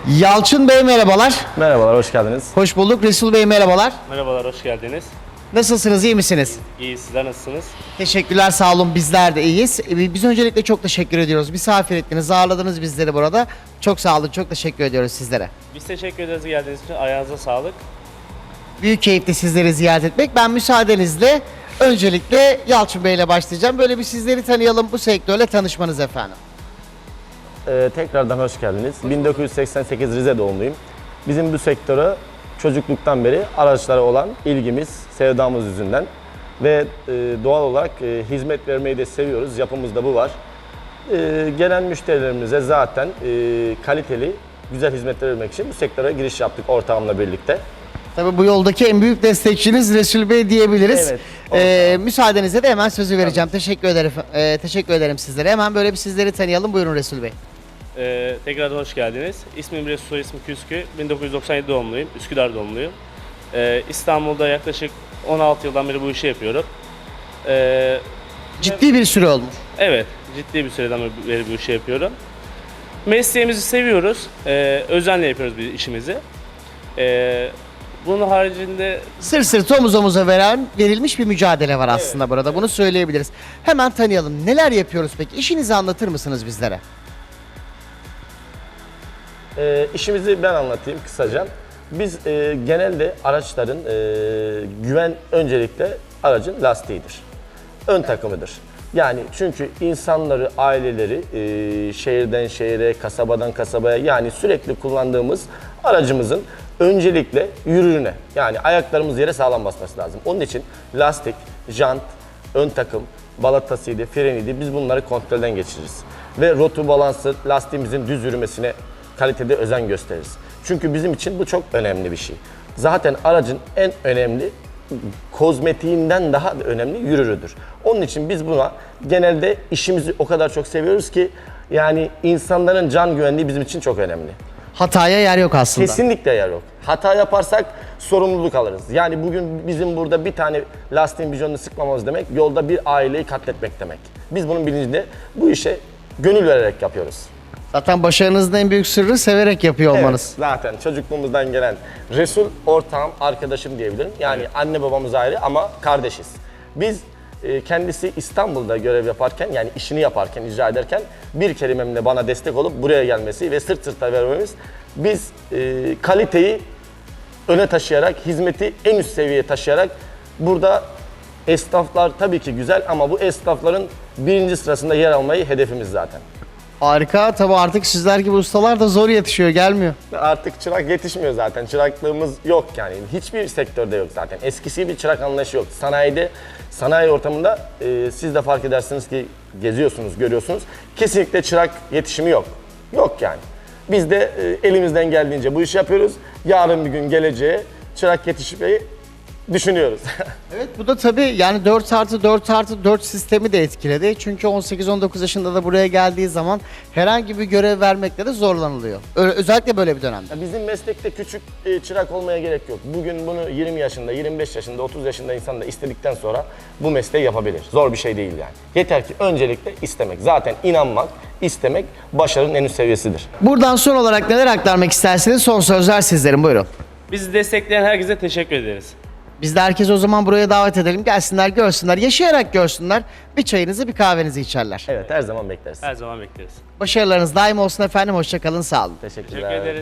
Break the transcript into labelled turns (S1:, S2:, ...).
S1: Yalçın Bey merhabalar.
S2: Merhabalar, hoş geldiniz.
S1: Hoş bulduk. Resul Bey merhabalar.
S3: Merhabalar, hoş geldiniz.
S1: Nasılsınız, iyi misiniz?
S3: İyi, sizler nasılsınız?
S1: Teşekkürler, sağ olun. Bizler de iyiyiz. Biz öncelikle çok teşekkür ediyoruz. Misafir ettiniz, ağırladınız bizleri burada. Çok sağ olun, çok teşekkür ediyoruz sizlere.
S3: Biz teşekkür ederiz geldiğiniz için. Ayağınıza sağlık.
S1: Büyük keyifli sizleri ziyaret etmek. Ben müsaadenizle öncelikle Yalçın Bey ile başlayacağım. Böyle bir sizleri tanıyalım, bu sektörle tanışmanız efendim.
S2: Tekrardan hoş geldiniz. 1988 Rize doğumluyum. Bizim bu sektöre çocukluktan beri araçlara olan ilgimiz, sevdamız yüzünden ve doğal olarak hizmet vermeyi de seviyoruz. Yapımızda bu var. Gelen müşterilerimize zaten kaliteli, güzel hizmetler vermek için bu sektöre giriş yaptık ortağımla birlikte.
S1: Tabii bu yoldaki en büyük destekçiniz Resul Bey diyebiliriz.
S2: Evet,
S1: Müsaadenizle de hemen sözü vereceğim. Teşekkür ederim. Teşekkür ederim sizlere. Hemen böyle bir sizleri tanıyalım. Buyurun Resul Bey.
S3: Tekrardan hoş geldiniz. İsmim Resul, soy ismi Küskü. 1997 doğumluyum, Üsküdar doğumluyum. İstanbul'da yaklaşık 16 yıldan beri bu işi yapıyorum.
S1: Ciddi bir süre olmuş.
S3: Evet, ciddi bir süreden beri bu işi yapıyorum. Mesleğimizi seviyoruz, özenle yapıyoruz biz işimizi. Bunun haricinde
S1: Sırt sırta omuz omuza verilmiş bir mücadele var aslında burada. Bunu söyleyebiliriz. Hemen tanıyalım. Neler yapıyoruz peki? İşinizi anlatır mısınız bizlere?
S2: İşimizi ben anlatayım kısaca. Biz genelde araçların güven öncelikle aracın lastiğidir. Ön takımıdır. Yani çünkü insanları, aileleri şehirden şehire, kasabadan kasabaya yani sürekli kullandığımız aracımızın öncelikle yürürüne yani ayaklarımız yere sağlam basması lazım. Onun için lastik, jant, ön takım, balatasıydı, freniydi biz bunları kontrolden geçiririz. Ve rotu balansı lastiğimizin düz yürümesine kalitede özen gösteririz. Çünkü bizim için bu çok önemli bir şey. Zaten aracın en önemli kozmetiğinden daha da önemli yürürüdür. Onun için biz buna genelde işimizi o kadar çok seviyoruz ki yani insanların can güvenliği bizim için çok önemli.
S1: Hataya yer yok aslında.
S2: Kesinlikle yer yok. Hata yaparsak sorumluluk alırız. Yani bugün bizim burada bir tane lastiğin vizyonunu sıkmamamız demek yolda bir aileyi katletmek demek. Biz bunun bilincinde bu işe gönül vererek yapıyoruz.
S1: Zaten başarınızın en büyük sırrı severek yapıyor olmanız.
S2: Evet, zaten çocukluğumuzdan gelen Resul ortağım, arkadaşım diyebilirim. Yani anne babamız ayrı ama kardeşiz. Biz kendisi İstanbul'da görev yaparken yani işini yaparken, icra ederken bir kelimemle bana destek olup buraya gelmesi ve sırt sırta vermemiz biz kaliteyi öne taşıyarak, hizmeti en üst seviyeye taşıyarak burada esnaflar tabii ki güzel ama bu esnafların birinci sırasında yer almayı hedefimiz zaten.
S1: Harika. Tabii artık sizler gibi ustalar da zor yetişiyor, gelmiyor.
S2: Artık çırak yetişmiyor zaten. Çıraklığımız yok yani. Hiçbir sektörde yok zaten. Eskisi gibi çırak anlayışı yok. Sanayide, sanayi ortamında siz de fark edersiniz ki geziyorsunuz, görüyorsunuz. Kesinlikle çırak yetişimi yok. Yok yani. Biz de elimizden geldiğince bu işi yapıyoruz. Yarın bir gün geleceğe çırak yetişmeyi düşünüyoruz.
S1: Evet, bu da tabii yani 4+4+4 sistemi de etkiledi. Çünkü 18-19 yaşında da buraya geldiği zaman herhangi bir görev vermekte de zorlanılıyor. Özellikle böyle bir dönemde.
S2: Bizim meslekte küçük çırak olmaya gerek yok. Bugün bunu 20 yaşında, 25 yaşında, 30 yaşında insan da istedikten sonra bu mesleği yapabilir. Zor bir şey değil yani. Yeter ki öncelikle istemek. Zaten inanmak, istemek başarının en üst seviyesidir.
S1: Buradan son olarak neler aktarmak isterseniz son sözler sizlerin, buyurun.
S3: bizi destekleyen herkese teşekkür ederiz.
S1: Biz de herkesi o zaman buraya davet edelim. Gelsinler, görsünler, yaşayarak görsünler. Bir çayınızı, bir kahvenizi içerler.
S2: Evet, her zaman bekleriz.
S3: Her zaman bekleriz.
S1: Başarılarınız daim olsun efendim. Hoşça kalın, sağ olun.
S2: Teşekkürler.
S3: Teşekkür ederiz.